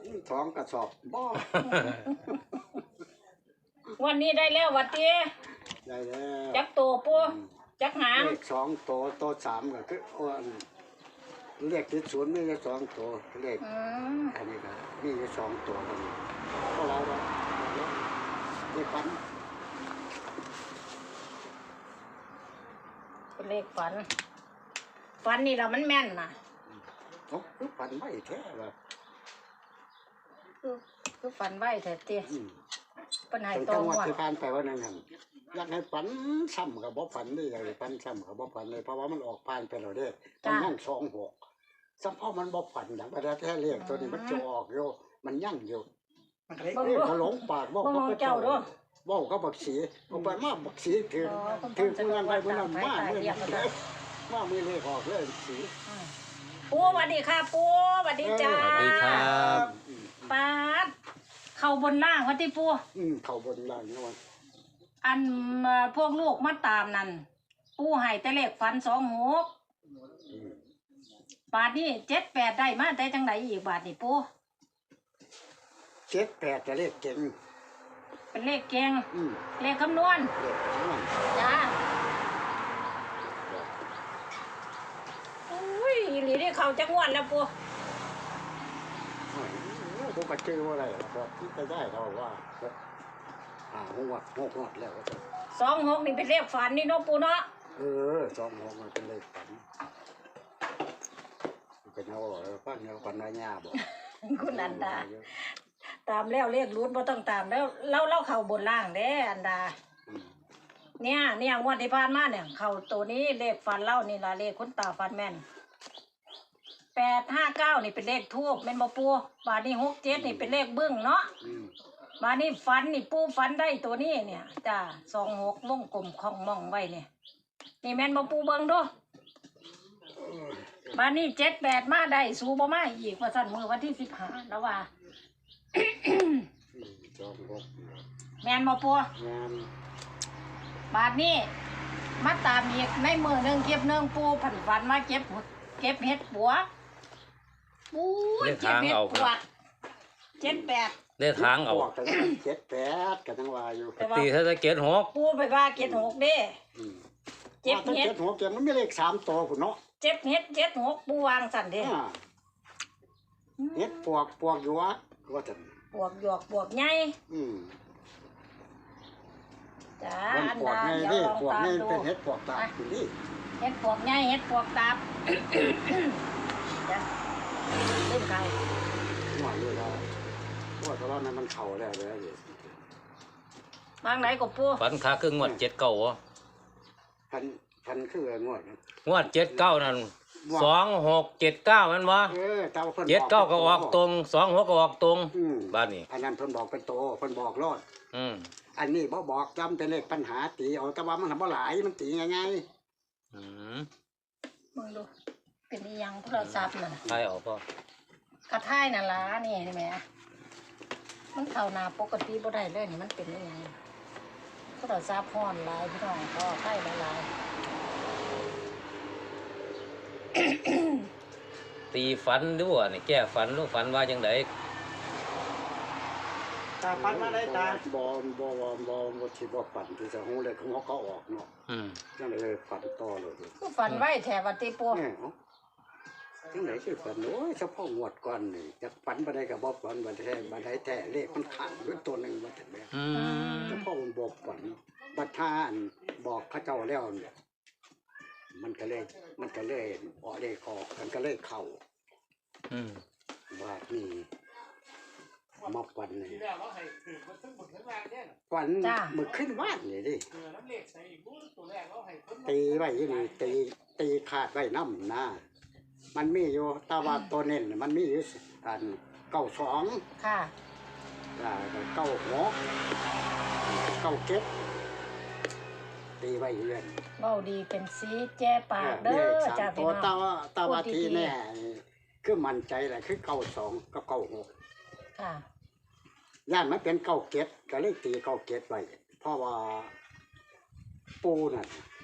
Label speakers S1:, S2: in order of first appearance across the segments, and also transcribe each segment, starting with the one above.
S1: 2 กระสอบบ่
S2: วันนี้ได้แล้ววัดตี
S1: ได้แล้ว
S2: จักโตปูจักหาง
S1: เลข2ตัว3ก็คือเลขที่0มี2ตัวเลขอันนี้ก็มี2ตัวกันเพราะเราได้ปัน
S2: เป็นเลขฝันนี่เรามันแม่นนะ
S1: คือปันไม่แท้เลย
S2: คือฝันไว้แต่ตีปัญหาตร
S1: จั
S2: ง
S1: งหวัด
S2: ว่า
S1: ที่ผ่านไปว่านั่นอยากให้ปันซ้ำกับบ่ปันนี่อยากให้ปันซ้ำกับบ่ปันเลยเพราะว่ามันออกผ่านไปแล้วเด้มันยั่ง26สัมพ่อมันบ่ปันอย่างประแท้เลขตัวนี้มันจะออกอยู่มันยั่งอยู่ก็หลงปากบอกเขาเจ้าด้วยบอกเขาบักสีเอาไปมาบักสีถือเงินไปเมื่อนั้นมาเมื่อมือเลขออกเลยสี
S2: ปูสวัสดีค่ะปูสวัสดีจ้า
S3: สวัสดีครับ
S2: ป้าเข้าบนล่างวัดที่ปู
S1: เข้าบนล่างนะวัน
S2: อันพวกลูกมาตามนั่นปูให้แต่เลขฝัน26บาทนี่78ได้มาแต่จังไหนอีกบาทนี่ปู
S1: 78จะเลขเก่ง
S2: เป็นเลขเก่งเลขคำนวณจ้าอุ้ยหลีได้เข้าจักงวดแล้วปู
S1: ผมก็ชื่อว่าอะไรครับที่ไปได้เราว่า6 งวดแล้วก็
S2: 26นี่เป็นเลขฝันนี่เนาะปูเนาะ
S1: 26มันเป็นเลขฝันเป็นเอาฟังเอาฝันว่าหญ้าบ่
S2: คุณอันดาตามแล้วเลขรุดบ่ต้องตามแล้วเล่าเข้าบนล่างเด้อันดาเนี่ยงวดที่ผ่านมาเนี่ยเข้าตัวนี้เลขฝันเล่านี่ล่ะเลขคุณตาฝันแม่น859นี่เป็นเลขทูบแม่นบ่ปูบาดนี้67นี่เป็นเลขบึ้งเนาะบาดนี้ฝันนี่ปูฝันได้ตัวนี้เนี่ยจ้า26วงกลมของมองไว้เนี่ยนี่แม่นบ่ปูเบิ่งดูบาดนี้78มาได้สูบ่มาอีกว่าซั่นมื้อวันที่15แล้วว่าแม่นบ่ปูบาดนี้มาตามอีกในมื้อนึงเก็บนึงปูฝันมาเก็บเห็ดปัวปูเก็บเห็ดปัว78
S3: ได้ทางเอา
S1: 78กันทั้งว่าอยู่
S3: ตีถ้าจะเกต6
S2: ปูไปว่า76เด้
S1: เจ็บเห็ด76เจ็บมันมีเลข3ตัวพุ่นเนาะ
S2: เจ็บเห็ด76ปูวางสั่นเด้
S1: เห็ดปวกอยู่ว่าจัง
S2: ปวกหยอกปวกใหญ่จ้าอันดาเดี๋ยวลองตามดู
S1: เป็นเห็ดปวกตานี่
S2: เห็ดปวกใหญ่เห็ดปวกตาจ้ะเล่นไก่
S1: หวานเลยแล้วว่าตอนนั้นมันเข่าแล้วเลย
S2: บางไหนก็ปู
S3: ฝันขาคืองวด79อ่ะ
S1: พันคือง
S3: วด79นั่น2679มันวะ79ก็ออกตรง26ก็ออกตรงบ้านนี้
S1: อันนั้นเพิ่นบอกเป็นโตเพิ่นบอกรอดอันนี้บ่บอกจำเป็นเลขปัญหาตีเอาแต่ว่ามันทำบ่หลายมันตีง่าย
S2: มึงดูเป็นอีหยังโทรศัพท์น่ะ
S3: ใช่ออกป่ะ
S2: กระท่ายน่ะล่ะนี่ใช่ไหมมันเข้าหน้าปกติบ่ได้เลยนี่มันเป็นอีหยังโทรศัพท์ฮ้อนหลายพี่น้องก็ใกล้หลาย
S3: ตีฝันด้วยนี่แก้ฝันลูกฝันว่าจังได
S1: ตาฝันมาได้ตาบ่สิบ่ฝันที่จะฮู้เลยของเขาออกเนาะจังได๋ฝันต่อเลย
S2: คือฝันไว้แถววัดติปู
S1: จังได๋คือฝันโอ้ยเฉพาะงวดก่อนนี่จักฝันบ่ได้ก็บ่ฝันบ่แท้เลขมันขังอยู่ตัวนึงว่าจังได๋เฉพาะมันบอกฝันบัดท่านบอกเขาเจ้าแล้วเนี่ยมันก็เลยออกเลขออกมันก็เลยเข้าว่านี่มาฝันนี่ฝันมึกขึ้นว่านนี่ดิตีไว้ที่นี่ตีขาดไว้น้ำนะมันมีอยู่ตาว่าตัวเน้นมันมีอยู่อัน92
S2: ค่ะ
S1: 96 97ตีไว้เรื่อย
S2: เบ้าดีเป็นสีแจ้ปากเด้อจ้าพี่น้อง
S1: ตาว่าทีแน่คือมั่นใจแหละคือ92กับ96
S2: ค่ะ
S1: ย่านมันเป็น97ก็เลยตี97ไว้เพราะว่าปูนั่น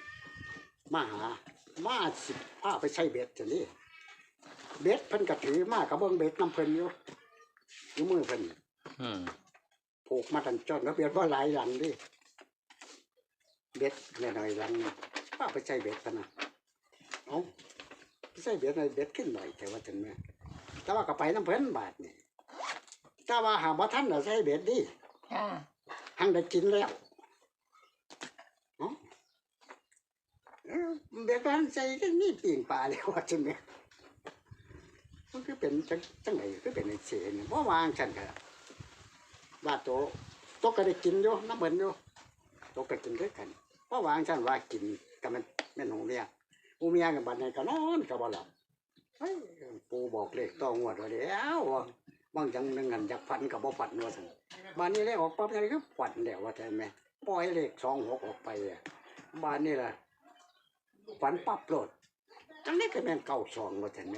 S1: มาสิพาไปใช้เบ็ดจังนี้เบ็ดเพิ่นก็ถือมากับเบิ่งเบ็ดน้ำเพิ่นอยู่อยู่มือเพิ่น
S3: อืม
S1: ผูกมาทันจนแล้วเบียดว่าหลายหลังดิเบ็ดหน่อยๆหลังนี่ป้าไปใส่เบ็ดกันนะเอาไปใส่เบ็ดหน่อยเบ็ดขึ้นหน่อยแต่ว่าถึงแม่แต่ว่าก็ไปน้ำเพิ่นบาทนี่แต่ว่าหาบ่ทันน่ะใส่เบ็ดดิ
S2: ค่ะ
S1: หังได้กินแล้วเนาะเบ็ดมันใส่ก็นี่ปิ่งปลาเลยว่าจังแม่มันคือเป็นจังไหนคือเป็นไอ้เสียนบ่วางฉันก็ว่าโตก็ได้กินอยู่น้ำเบิ่นอยู่โตก็กินด้วยกันบ่วางฉันว่ากินก็มันแม่นหงเรียกผู้เมียกับบัดนี้ก็นอนก็บ่หลับเฮ้ยปู่บอกเลขต้องงวดว่าเดี๋ยวบางจังนึงหันอยากฝันก็บ่ฝันว่าซั่นบ้านนี้เลขออกปั๊บนี่ก็ฝันแล้วว่าแต่แม่ปล่อยเลข26ออกไปอ่ะบ้านนี้ล่ะฝันปั๊บโลดจังได๋ก็แม่น92ว่าแต่แม่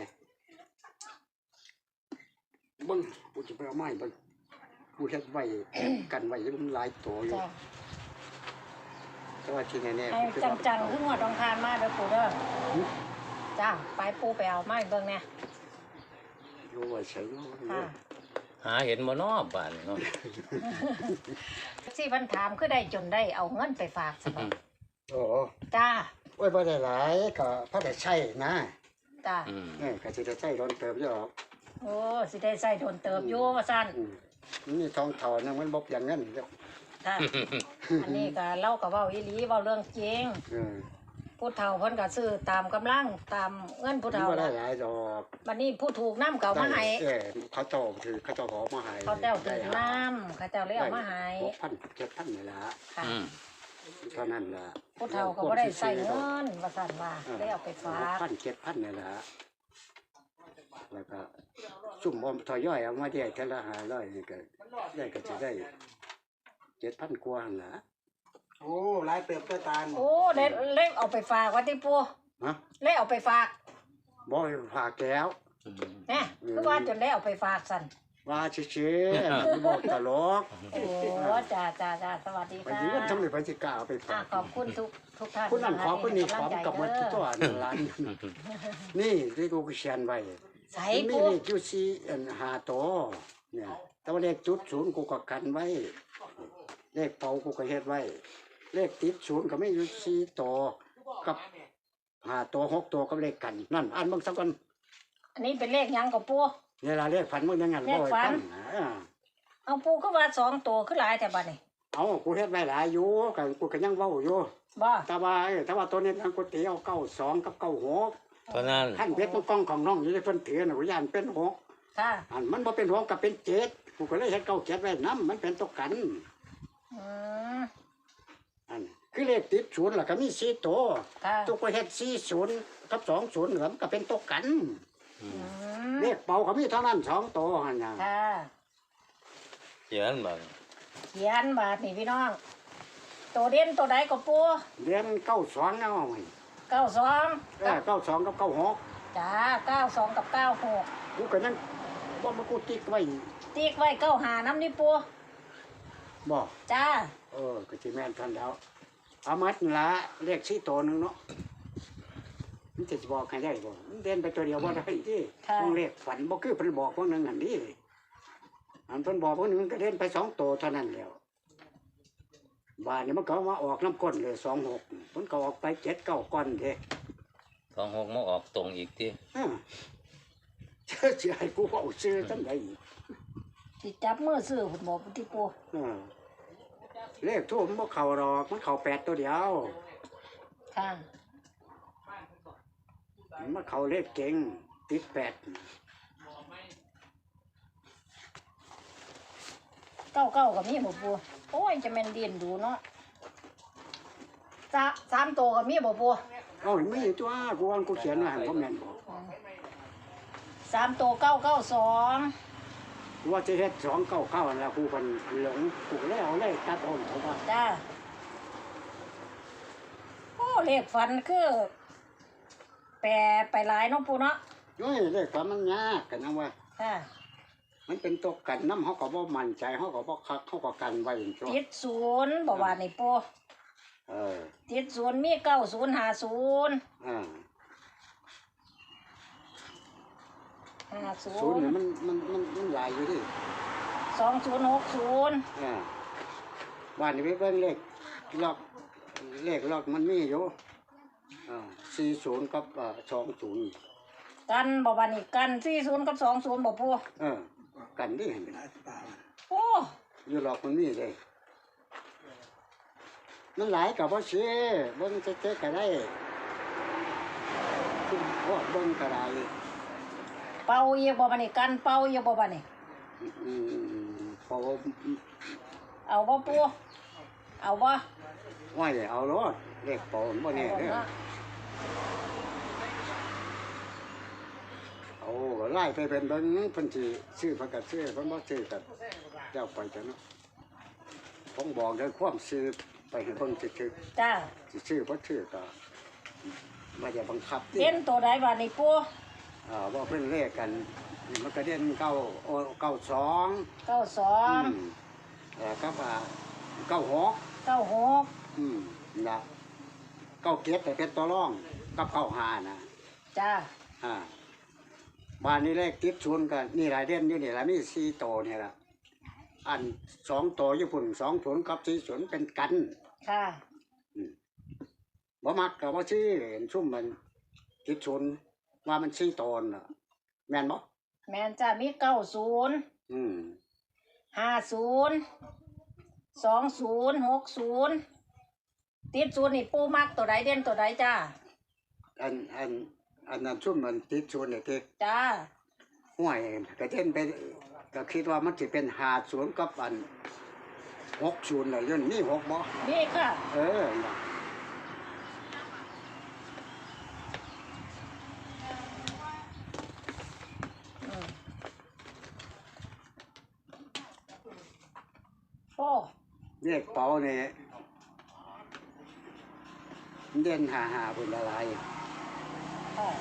S1: เบิ่งกูจะไปเอาไม้เบิ่งกูเฮ็ดไว้กันไว้มันหลายตัวอยู่
S2: จ้ะ
S1: แต่ว่าที่แน่ๆ
S2: ให้
S1: คือ
S2: จังๆขึ้นหัวตรงคานมาเด้อปูเด้อจ้าไปปูไปเอาไม้เบิ่งเนี่ย
S1: อยู่ไว้ใช้เนาะ
S2: ค่ะ
S3: หาเห็นบ่เนาะบ้านเนาะ
S2: สิเพิ่นถามคือได้จนได้เอาเงินไปฝากสิบ่
S1: โอ้
S2: จ้า
S1: โอ้ยบ่ได้หลายก็พอได้ใช้นะ
S2: จ้า
S3: อืม
S1: ก็สิได้ใช้โดนเติบอยู่หรอก
S2: โอ้สิได้ใส่โดนเติบอยู่ว่าซั่น
S1: นี่ทองเท่านึงมันบ่อย่างนั้นเด้อ
S2: ค่ะอันนี้ก็เล่าก็เว้าอีหลีเว้าเรื่องจริง
S1: เออ
S2: ผู้เฒ่าเพิ่นก็ซื้อตามกำลังตามเงินผู้
S1: มัน
S2: เฒ่า
S1: บ่ได้
S2: น่ะ
S1: หลายดอก
S2: บัดนี้ผู้ถูกน้ำเก่ามาให้
S1: เขาเจ้าถือเขาเจ้าขอมาให้
S2: เขาเจ้าถูกน้ำเขาเจ้าเลยเอามาให้
S1: 6,000 7,000นี่ล่ะ
S2: ค่ะ
S3: อืม
S1: เท่านั้นล่ะ
S2: ผู้เฒ่าก็บ่ได้ใส่เงินว่าซั่นว่าเลยเอาไปฝาก
S1: 6,000 7,000นี่ล่ะแล้วก็ซุ่มบ่ทอยย่อยเอามาได้เท่าละ500นี่ก็ได้ก็สิได้7,000กว่าหั่นล่ะ
S4: โอ้หลายเติบเต้าตาล
S2: โอ้เลยเอาไปฝากว่าติปู
S1: ฮะ
S2: เลยเอาไปฝาก
S1: บ่ให้ฝากแล้ว
S3: อืม
S2: แหน่คือว่าจนได้เอาไปฝากซั่น
S1: ว่าชื่อๆบอกตลก
S2: โอ้จ้าสวัสดี
S1: ไป
S2: ค่ะ
S1: ยืนทำไมไปสิกล้าเอาไป
S2: อ่ะ
S1: ฝาก
S2: ขอบคุณทุกท่าน
S1: คุณนั่นขอคุณนี่ข
S2: ให้
S1: อม
S2: ำลังใจ
S1: กับหมัน
S2: เด้อ
S1: ตัวนั่นร้านนี่ที่กูเขียนไว้
S2: ใส่
S1: มี
S2: ปู
S1: เลขอยู่สี่5ตัวเนี่ยแต่ว่าเลขจุดศูนย์กูก็กันไว้ เลขเป่ากูก็เฮ็ดไว้ เลขติดศูนย์ก็ไม่อยู่4ตัวกับ5ตัว6ตัวกับเลขกัน นั่นอ่านเบิ่งสักก่อน
S2: อันนี้เป็นเลขหยังกับปู
S1: เนี่ยล่ะเลขฝันมึงยังงั้น
S2: เลขฝัน เอาปูก็ว่า2ตัวคือหลายแต่บัดนี้
S1: เอากูเฮ็ดไว้หลายอยู่ก็กูก็ยังเว้าอยู่
S2: บ่
S1: แต่ว่าตัวนี้ทางก๋วยเตี๋ยว92กับ96
S3: เพราะนั้น
S1: ขั้นเพชรกล้องของน้องอยู่ในเพิ่นถือน่ะกูย่านเป็น6
S2: ค่ะ
S1: อันมันบ่เป็น6ก็เป็น7กูก็เลยเฮ็ด97ไว้นํมันเป็นตัวกัน
S2: อืม
S1: อันคือเลขติด0ล่ะก็มี4ตัว
S2: ค่ะ
S1: ตัวก็เฮ็ด40กับ20แล้วมันก็เป็นตัวกัน
S2: อืม
S1: เลขเป่าก็มีเท่านั้น2ตัวหั่นน่ะ
S2: ค่ะ
S3: เขียนบ่
S2: เขียนบาทนี่พี่น้อง ตัวเด่นตัวใดก็ปู
S1: เรียน92เอาไว้
S2: 92
S1: 92กับ96
S2: จ้า92กับ96
S1: กูก็ยังบ่มากูติ๊กไว้
S2: ติ๊กไว้95น้ำนี่ปู
S1: บ่
S2: จ้า
S1: ก็สิแม่นทันแล้วเอามัดนั่นละเลข4ตัวหนึงเนาะมันจะบอกให้ได้บ่มันเด่นไปตัวเดียวบ่ได้ที่
S2: ค่ะ
S1: ต้องเลขฝันบ่คือเพิ่นบอกพวกนึงหั่นดิอันเพิ่นบอกพวกนึงมันก็เด่นไป2ตัวเท่านั้นแล้วบาดนี้มันก็มาออกน้ำก้นเลย26มันก็ออกไป7 9ก้อนเด้
S3: 26มาออกตรงอีกติ
S1: ฮะสิให้กูเอาซื้อจังได๋
S2: สิจับมือซื้อพุ่นบอกที่ปู
S1: เลขทูบมันบ่เข้าดอกมันเข้า8ตัวเดียว
S2: ค่ะ
S1: มันเข้าเลขเก่งติด8
S2: 99ก็มีบ่ปูโอ้ยจะแม่นเดียนดูเนาะ3ตัวก็มีบ่ปู
S1: เอ้ามีตัวกูว่ากูเขียนไว้ให้บ่แม่นบ่
S2: 3ตัว992
S1: ว่าจะเฮ็ด299นั่นแหละกูเพิ่นหลงกูก็เลยเอาเลยตัดออกเขาว่า
S2: จ้าโอ้เลขฝันคือแปรไปหลายเนาะปูเนาะ
S1: โอ้ยเลขฝันมันยากกันนะว่า
S2: ค่ะ
S1: มันเป็นตัวกันน้ำเขาก็บ่มั่นใจเขาก็บ่คักเขาก็กันไว้อย่างตัว
S2: ติด0บ่ว่านี่ปู
S1: เออ
S2: ติด0มี9050
S1: อ่า
S2: 50
S1: ศูนย์นี่มันหลายอยู่ดิ
S2: 2060
S1: บ้านนี้ไปเบิ่งล็อกเลขล็อกมันมีอยู่40กับ20
S2: กันบ่บัดนี้กัน40กับ20บ่ปู
S1: กันนี่
S4: หลายตา
S2: โอ้
S1: อยู่ล็อกมันมีเลยมันหลายกับบ่เสียเบิ่งเจ๊ก็ได้ขึ้นพวกเบิ่งก็ได้
S2: เป่าอีกบ่บัดนี้กันเป่าอีกบ่บัดนี้
S1: พอ
S2: เอาบ่ปูเอาบ่
S1: ว่าอย่าเอารถเลขเป่าบ่แน่เด้อเอาก็ไล่ไปเป็นเบิ่งเพิ่นสิซื้อเพิ่นก็ซื้อเพิ่นบ่ซื้อก็เจ้าไปจ้ะเนาะผมบอกได้ความซื้อไปให้เพิ่นสิซื้อ
S2: จ้า
S1: สิซื้อบ่ซื้อก็บ่ได้บังคับ
S2: เด่นตัวใดบัดนี้ปู
S1: ว่าเพิ่นเลขกันนี่มันก็เด่น92
S2: 92
S1: กับ96
S2: 96
S1: นะ97แต่เป็นตัวรองกับ95นะ
S2: จ้า
S1: บ้านนี้เลขติดศูนย์กันนี่หลายเด่นอยู่นี่ละมี4โตวนี่ล่ะอัน2โตวอยู่พุ่น20กับ40เป็นกัน
S2: ค่ะ
S1: บ่มักก็บ่ซื้อเห็นซุ่มมันติดศูนย์ว่ามัน4โตวน่ะแม่นบ่
S2: แม่นจ้ามี90
S1: อืม
S2: 50 20 60ติดศูนย์นี่ปูมักตัวใดเด่นตัวใดจ้า
S1: อันนั้นซุ่มมันติดศูนย์นี่ที่
S2: จ้า
S1: ห้วยก็เช่นไปก็คิดว่ามันสิเป็น50กับอัน60น่ะย้อนมี6บ่
S2: นี่ค่ะ
S1: น่ะ
S2: โอ้
S1: เลขเป๋านี่เด่น55พุ่นละลาย
S2: อ๋อ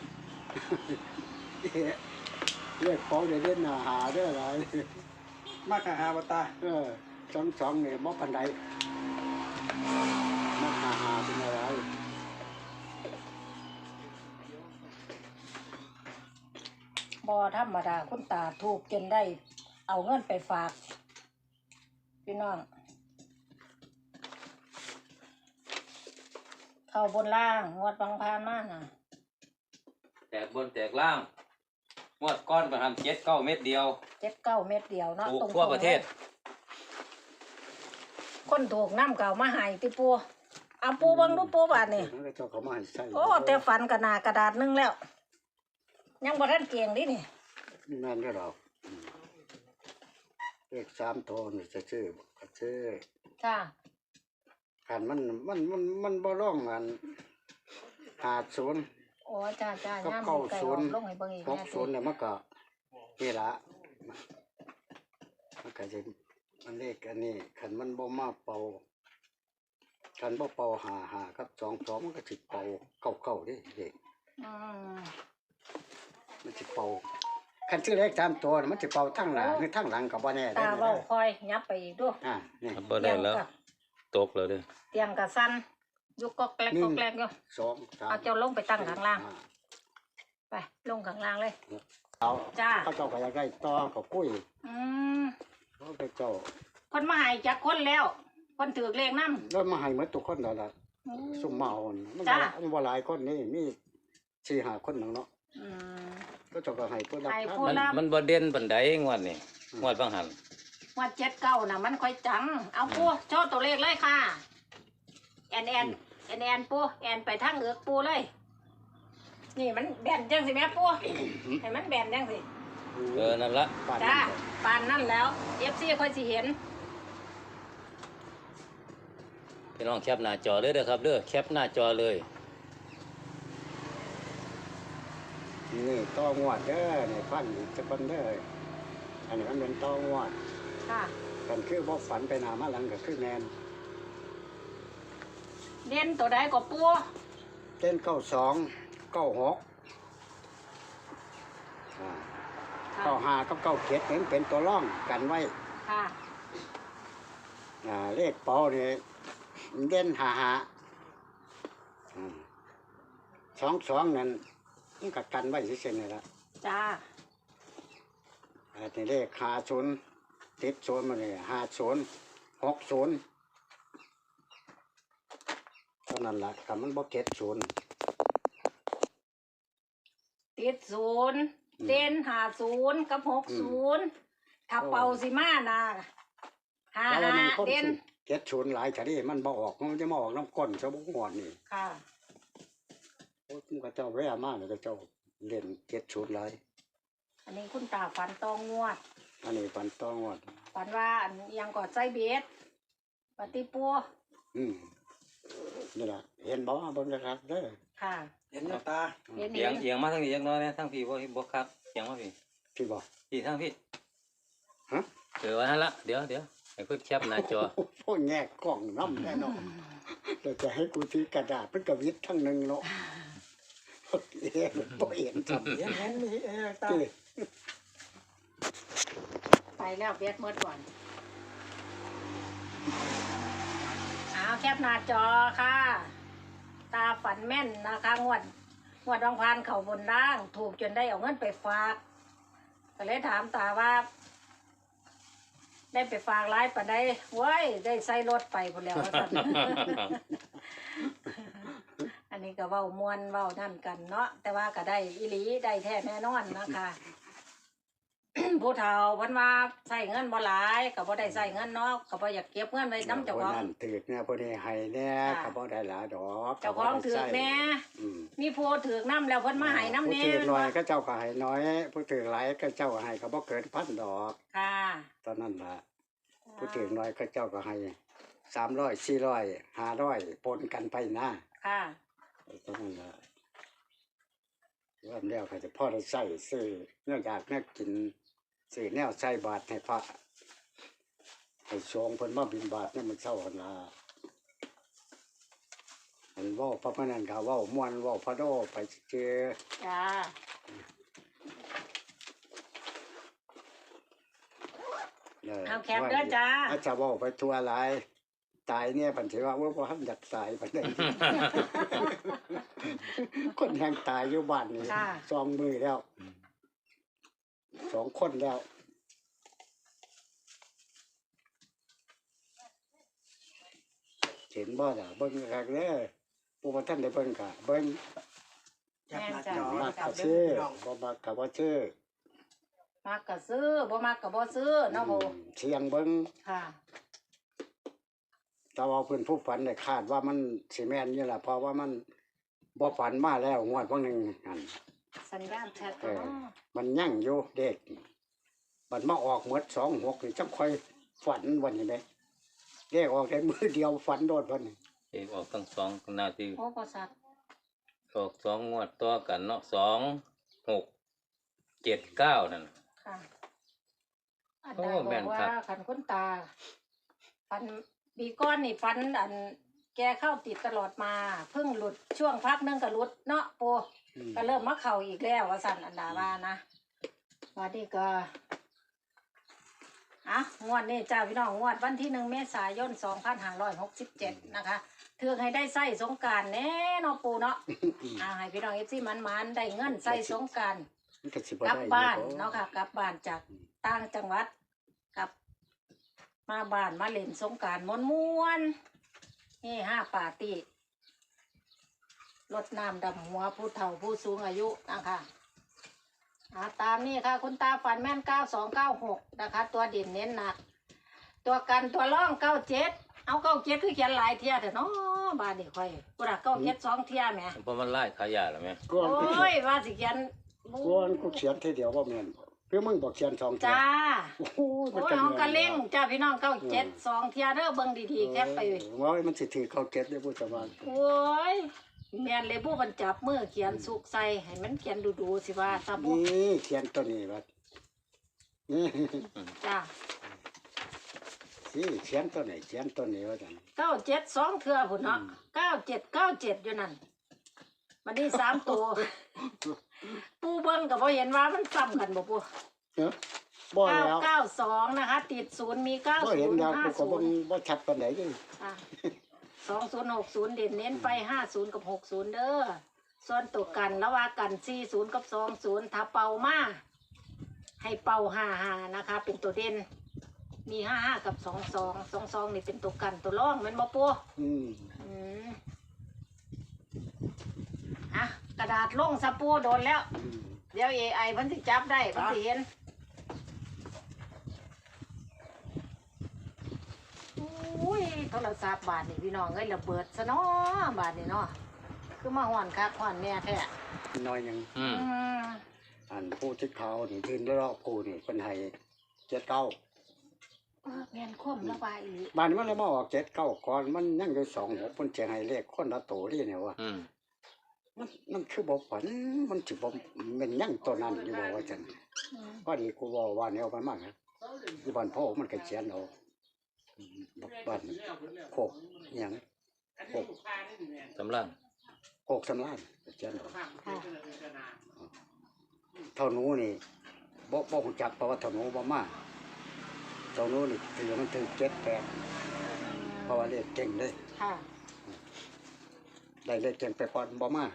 S1: เรียกเขาเด่นหาได้อะไร
S4: มากหาบตา
S1: สองเนี่ยมอปันไดมาหาเป็นอะไร
S2: บ่ธรรมดาคุณตาถูกจนได้เอาเงินไปฝากพี่น้องเข้าบนล่างงวดบางพานมาน่ะ
S3: แตกบนแตกล่างงวดก้อนประทำ79เม็ดเดียว
S2: 79 เม็ดเดียวเนาะ
S3: ถูก
S2: ตรงๆ
S3: ทั่วประเทศ
S2: คนถูกน้ำเก่ามาให้ติปูเอาปูเบิ่งดูปูบาดนี่
S1: มันก็เจ้าเขามาให้ใส่
S2: โอ้แต่ฝันกระหนากระดาษหนึงแล้ว ยังบ่ทันเก่งดินี่
S1: นั่นก็ดอกเลข3ตัวนี่จะชื่อก็ชื่อ
S2: จ้า
S1: ขันมันบ่ร้องอัน50
S2: โอ้จ้าจ้า
S1: กับ
S2: ย่าม
S1: เก้า
S2: ไก่
S1: ศู
S2: อน
S1: ย์
S2: อกลงให้เบิ่งอีกแน่ติ
S1: 60เนี่ยมันก็นี่ละมันก็สิมันเลขอันนี้ขันมันบ่มาเป่าขันบ่เป่า5กับ22มันก็สิเป่า99เด้เลข
S2: อืม
S1: มันสิเป่าคันชื่อเลข3ตัวน่ะมันสิเป่าทั้งหน้าหรือทั้งหลังก็บ่แน่
S2: ตาเว้าคอยยับไปอีกดู
S1: นี่
S3: บ่ได้แล้วตกแล้วเด้อ
S2: เตียงกะสั้นยุกก็แกลกก็แกลกอยู่
S1: 2 3
S2: เอาเจ้าลงไปตั้งข้างล่าง ไปลงข้างล่างเลย
S1: เอา
S2: จ้า
S1: เขาเจ้าก็อยากได้ต่อก็คุย
S2: อืม
S1: เขาไปเจ้า
S2: คนมาให้จักคนแล้วคนถือเลขนำ
S1: แล้วมาให้หมดทุกคนแล้วล่ะซุ่มเมานี่มัน
S2: จ้า
S1: มันบ่หลายคนนี่มี4-5คนนึงเนาะ
S2: อืม
S1: ก็เจ้าก็ให้ผู้รับ
S2: ให้
S1: ทาน
S2: ผู้
S3: มันบ่เด่นปานใดงวดนี่งวดบางหัน
S2: ว่า79น่ะมันค่อยจัง เอาปูโชว์ตัวเลขเลยค่ะ แอนปูแอนไปทางเอือกปูเลย นี่มันแบนจังสิแม่ปูให้มันแบนจังสิ
S3: นั่นละ
S1: บ้าน
S2: จ้า
S1: นั้น
S2: ปานนั่นแล้ว FC ค่อยสิเห็น
S3: พี่น้องแคปหน้าจอเลยเด้อครับเด้อแคปหน้าจอเลย
S1: นี่ต่องวดเด้อนี่ฟังอีกสักคนเด้ออันนี้มันเป็นต่องวด
S2: ค่ะ
S1: กันคือบ่ฝันไปหน้ามาหลังก็คือแม่น
S2: เด่นตัวใดก็ปู
S1: เต้น92 96
S2: ค่ะ
S1: 95กับ97นี่เป็นตัวร่องกันไว้
S2: ค่ะ
S1: เลขเป๋านี่เด่น55 22นั่นมันก็กันไว้ซื่อๆนี่ล่ะ
S2: จ้า
S1: อันนี้เลข50 ติดศูนย์มาเลย50 60เท่านั้นล่ะคำมันบ่เก็ดศูนย์
S2: ติดศูนย์เด่น50กับ60ถ้าเป่าสิมานะ
S1: แล้วมันคน
S2: 55เด่น
S1: เก็ดศูนย์หลายชะนี่มันบ่ออกมันจะมาออกน้ำก้นซะบ่งอนนี่
S2: ค่ะ
S1: โอ้ยมันก็เจ้าแว่มากเลยก็เจ้าเล่นเก็ดศูนย์หลาย
S2: อันนี้คุณตาฝันตองงวด
S1: อันนี้ปันต้องวด
S2: ฝันว่าอันยังกอดใจเบสปฏิปัว
S1: นี่ล่ะเห็นบ่เบิ่งนะครับเด้อ
S2: ค่ะ
S4: เห็นกับตา
S2: เห็น
S3: เอียงเอียงมาทางนี้จักหน้อยนะทางพี่บ่ครับเอียงมาพี่
S1: พี่บอก
S3: พี่ทางพี่
S1: ฮะ
S3: ว่าหั่นละเดี๋ยวให้เพิ่นแคปหน้าจอ
S1: พวกแง่กล้องน้ำแน่นอนเราจะให้กูถือกระดาษเป็นกระวิดทั้งหนึงเนาะเอ๊ะบ่เห็นทำ
S4: เห็นมีตา
S1: ที่
S2: ไปแล้วเบสเมื่อก่อนเอาแคปหน้าจอค่ะ ตาฝันแม่นนะคะงวดรองพานเข่าบนล่าง ถูกจนได้เอาเงินไปฝากก็เลยถามตาว่า ได้ไปฝากร้ายปะได้เว้ยได้ใส่รถไปหมดแล้วว่าซั่น อันนี้ก็เว้ามวนเว้านั่นกันเนาะแต่ว่าก็ได้อีหลีได้แท้แน่นอนนะคะ ผู้เฒ่าเพิ่นว่าใส่เงินบ่หลายก็บ่ได้ใส่เงินเนาะก็บ่อยากเก็บเงินไว้นำเจ้าของ
S1: คนนั้นถือกเนี่ยพวกนี้ให้แน่
S2: ค่ะ
S1: ก็บ่ได้หลายดอก
S2: เจ้าของถือกแน่
S1: อืม
S2: มีผู้ถือกน้ำแล้วเพิ่นมาให้น้ำ
S1: ผู้
S2: แน่
S1: ถือก
S2: แม่น
S1: น้อ
S2: บ่
S1: ยก็เจ้าก็ให้น้อยผู้ถือกหลายก็เจ้าก็ให้ก็บ่เกินพันดอก
S2: ค่ะ
S1: ตอนนั้นล่ะผู้ถือกน้อยก็เจ้าก็ให้300 400 500ปนกันไปนะ
S2: ค่ะ
S1: ตอนนั้นล่ะว่าแล้วก็จะพ่อได้ใส่ซื้อเนื่องจากแม่กินซื้อแนวใส่บาตรให้พระให้สงฆ์เพิ่นมาบิณฑบาตเนี่ยมันเช้าหั่นล่ะอันเว้าพระพนันก็เว้าม่วนเว้าพระโดไปเจอ
S2: จ้า เอาแคปเด้อจ้า
S1: อาจจะเว้าไปทั่วหลายตายเนี่ยปันสิว่าบ่ทันอยากตายปานใด คนแห่งตายอยู่บ้านนี่
S2: ค่ะ
S1: 2 มือแล้ว2 คนแล้วเห็นบ่ล่ะเบิ่งคักเด้อผู้บ่ทันได้เบิ่งก็เบิ่ง
S4: จับหน้าจอ
S1: มัก
S4: ครั
S1: ก็
S4: บ
S1: ซื้อ
S4: เด้อ
S1: บ่มักก็บ่ซื้อ
S2: มักก็ซื้อบ่มักก็บ่ซื้อเนาะโบ
S1: เสียงเบิ่ง
S2: ค่ะ
S1: แต่ว่าเพิ่นผู้ฝันได้คาดว่ามันสิแม่นนี่ล่ะเพราะว่ามันบ่ฝันมาแล้วงวดพวกนึงนั่น
S2: สัญญาณแชท
S1: เออ
S2: เนาะ
S1: มันยั่งอยู่เด็กบัดมาออกหมด26นี่จังค่อยฝันวันนี้เด้เลขออกได้มือเดียวฝันโดดวันนี้
S3: เอกออกทั้งสองนาที
S2: โอ้บ่สัตว์
S3: ออก2งวดต่อกันเนาะ2 6 7 9นั่น
S2: ค่ะอัน
S3: โอ้
S2: ใดบ
S3: แม่
S2: อก
S3: น
S2: ว่า
S3: ครับ
S2: คันคุณตาฟันปีก้อนนี่ฟันอันแกเข้าติดตลอดมาเพิ่งหลุดช่วงพักหนึงก็หลุดเนาะโป
S1: อืม
S2: ก็เริ่มมาเข่าอีกแล้วว่าสั่นอันดาว่านะวันนี้ก็งวดนี้จ้าพี่น้องงวดวันที่1 เมษายน 2567 นะคะเทือกให้ได้ใส่สงกรารแน่เนาะปูเนาะให้พี่น้องFCมันๆได้เงินใส่สงกราร
S1: มันก็สิบ่
S2: กลับ
S1: ได้
S2: บ้าน
S1: อยู่
S2: เนาะค่ะกลับบ้านจากต่างจังหวัดกลับมาบ้านมาเล่นสงกรารม้วนๆนี่5 ปาร์ตี้รดน้ำดำหัวผู้เฒ่าผู้สูงอายุนะคะตามนี้ค่ะคุณตาฝันแม่น9296นะคะ ตัวเด่นเน้นหนัก ตัวกันตัวร่อง97เอา97คือเขียนหลายเที่ยแต่เนาะบ้านนี่ค่อยกูรัก97 2 เที่ยแหม
S3: เพราะมันไล่ขายาแล้วแม่
S1: ก่อน
S2: โอ
S1: กูเขี
S2: ้
S1: ย
S2: ย
S1: น
S2: ว่าสิเขียน
S1: ก่อนกูเขียนทีเดียวว่าแม่นบ่คือมึงบอกเขียน2เทีย
S2: จ้า
S1: โอ้โห
S2: โอ้
S1: มัน
S2: ย
S1: ก็
S2: เอากระ
S1: แม่น
S2: เล่งจ้าพี่น้อง97 2 เที่ยเด้อเบิ่งดีๆแคปไป
S1: ว่ามันสิถือเข้าเก็ตได้บ่จะว่า
S2: โอ้ยแม่นเลยผู้บรรจับมือเขียนสุกใส่ให้มันเขียนดูๆสิว่าซะบ่
S1: นี่เขียนตัวนี้ว่านี่
S2: จ้า
S1: สิเขียนตัวไหนเขียนตัวนี้ว่าจัง
S2: 97 2 เทื่อพุ่นเนาะ97 อยู่นั่นบัดนี้3 ตัวปูเบิ่งก็บ่เห็นว่ามันซ้ำกันบ่ปู
S1: เอ้อบ่แล้ว
S2: 992นะคะ ติด0มี
S1: บ่เห็นแล้วกูก็บ่
S2: 90
S1: บ่ชัดปานใดเด้
S2: อ่ะ2060เด่นเน้นไป50กับ60เด้อส่วนตัวกันระหว่างกัน40กับ20ถ้าเป่ามาให้เป่า55นะคะ เป็นตัวเด่นมี55กับ22 22นี่เป็นตัวกันตัวรองแม่นบ่ปู
S1: อืม
S2: อืมอ่ะกระดาษลงสะปูโดนแล้ว
S1: อืม
S2: เดี๋ยว AI มันสิจับได้มันสิเห็นอุ้ยโทรศัพท์บาทนี่พี่น้องเอ้ยระเบิดซะเนาะบาทนี่เนาะคือมาห่อนคักห่อนแน่แท้
S1: น้อยยัง
S3: อืม
S2: อืม
S1: อันผู้ที่เขานี่ยืนรอบผู้นี่เป็นให้7-9
S2: แม่นคมระบายอีหลี
S1: บ้านนี้มันเลยมาออก7-9ก่อนมันยังอยู่2-6เพิ่นจะให้เลขคนละโตนี่เนี่ยว่า
S3: อืม
S1: มันคือบ่ฝันมันสิบ่แม่นยังตัวนั้นอยู่บ่ว่าจัง
S2: อืม
S1: พอดีกูบอกว่าแนวมันมากนะที่บ้านพ่อมันก็เขียนเอาบ้านโคกอิหยังโคก
S3: สำลัง
S1: โคกสำลานก็เขียนเอา
S2: ค่ะ
S1: เท่าหนูนี่บ่รู้จักเพราะว่าเท่าหนูบ่มาเท่าหนูนี่ถือมันถือ7-8เพราะว่าเลขเก่งเลย
S2: ค่ะ
S1: ได้เลขเก่งไปก่อนบ่มา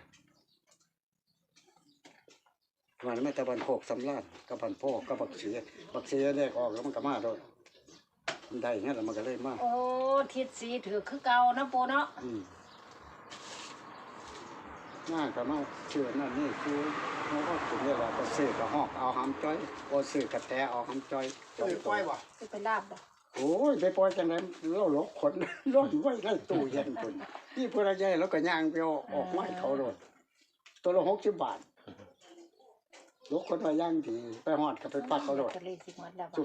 S1: วันนี้แต่บ้านโคกสำลานกับบ้านพ่อกับบักเสียเลขออกแล้วมันก็มาโดดมันได้งั้นแล้วมันก็เลยมา
S2: โอ้ทิศสีถือคือเก่านะปูเนาะ
S1: ง่ายก็มาเชื่อนั่นนี่คือเขาก็ถึงเวลาก็ซื้อก็หอกเอาหำจ้อยก็ซื้อกระแตเอาหำจ้อย
S4: ตัวปล่อยบ่
S2: สิไปลาบบ่
S1: โอ้ยไปปล่อยจังไดเราหลอกขน ร่อนไว้ในตู้เย็นคุณที่เพื่อใหญ่แล้วก็ย่างไปเอาออกไม้เขาโดนตัวละ60 บาทหลอกคนไว้ย่างดีไปหอดก็ไปปักเขาโดน
S2: จะเลยสิหมดแล้วบ่
S1: จุ่ม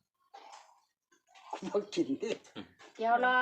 S1: บ่กินดิ
S2: เดี๋ยวรอ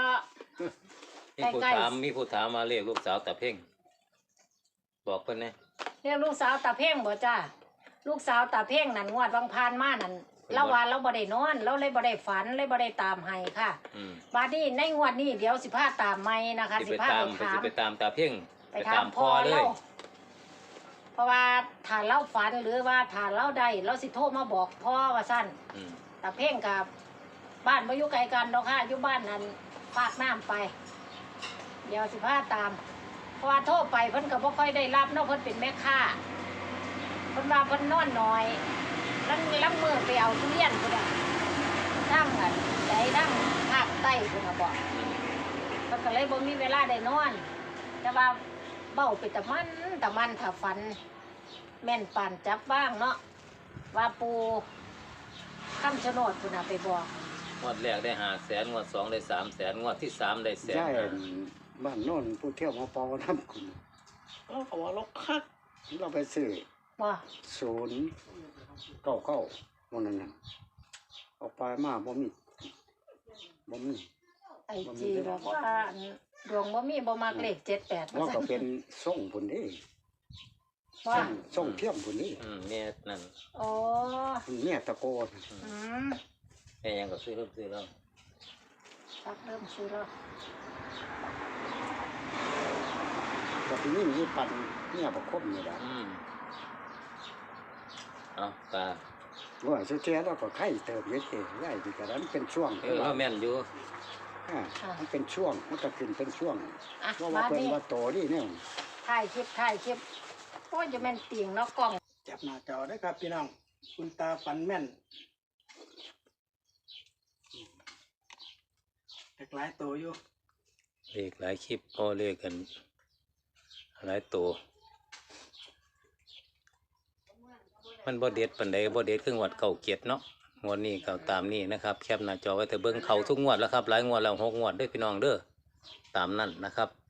S3: มีผู้ถามมาเรียกลูกสาวตาเพ่งบอกเพิ่นแหน่
S2: เรียกลูกสาวตาเพ่งบ่จ้าลูกสาวตาเพ่งนั่นงวดบางพานมานั่นเราว่าเราบ่ได้นอนเราเลยบ่ได้ฝันเลยบ่ได้ตามให้ค่ะ
S3: อืม
S2: บัดนี้ในงวดนี้เดี๋ยวสิพาตามใหม่นะคะ
S3: สิ
S2: สิ
S3: ไป
S2: พา
S3: ตาม
S2: ไปถาม
S3: สิไปตามตาเพ่ง
S2: ไปถามพ่อ
S3: เล
S2: เรา
S3: ย
S2: เพราะว่าถ้าเราฝันหรือว่าถ้าเราได้เราสิโทรมาบอกพ่อว่าซั่น
S3: อืม
S2: ตาเพ่งกับบ้านบ่อยู่ไกลกันดอกค่ะอยู่บ้านนั้นฝากน้ำไป เดี๋ยวสิพาตามเพราะว่าโทรไปเพิ่นก็บ่ค่อยได้รับเนาะเพิ่นเป็นแม่ค้าเพิ่นว่าเพิ่นนอนน้อยลังมือไปเอาทุเรียนพุ่นน่ะทั้งอันใดทั้งภาคใต้พุ่นน่ะบอก
S3: อืม
S2: เพิ่นก็เลยบ่มีเวลาได้นอน แต่ว่าเบ้าไปแต่มันถ้าฝัน แม่นปานจับบ้างเนาะว่าปูคำชะโนดพุ่นน่ะไปบอก
S3: งวดแรกได้500,000งวด2ได้300,000งวดที่3ได้100,000
S1: ย่ายบ้านโน่นผู้เที่ยวมาปอน้ำคุณเราก็ว่าเราคักเราไปซื้อ
S2: ว่า
S1: 099วันนั้นน่ะเอาไปมาบ่มี
S2: ไอจีบอกว่าอันดวงบ่มีบ่มักเลข78
S1: ว่าก็เป็นส่งพุ่นนี่
S2: ว่า
S1: ส่งเทียมพุ่นนี่
S3: แม่นั่น
S2: โอ้
S1: เนี่ยตะโกน
S2: อืม
S3: แม่ยังก็ซื้อแล้ว
S2: ตักเริ่มซื้อแล้ว
S1: ก็ที่นี่มีปันเนี่ยบ่ครบนี่ล่ะ
S3: อืมเอาตา
S1: ว่าสุดท้ายเราก็ไข่เติมเยอะเองได้ดีกว่านั้นเป็นช่วง
S3: เราแม่นอยู่
S1: มันเป็นช่วงมันก็ขึ้นเป็นช่วง
S2: อ่ะ
S1: ว่า
S2: มา
S1: เพิ่น
S2: นี่
S1: ว่าโตนี่เนี่ย
S2: ถ่ายคลิปโอ้ยจะแม่นเตียงเนาะกล้อง
S4: จับหน้าจอได้ครับพี่น้องคุณตาฝันแม่นแต่หลายตัวอยู่
S3: เลขหลายคลิปพอเลขกันหลายตัวมันบ่เด็ดปานใดบ่เด็ดคืองวดเก่าเกียรติเนาะงวดนี้ก็ตามนี้นะครับแคปหน้าจอไว้แต่เบิ่งเขาทุกงวดแล้วครับหลายงวดแล้ว6 งวดเด้อพี่น้องเด้อตามนั้นนะครับ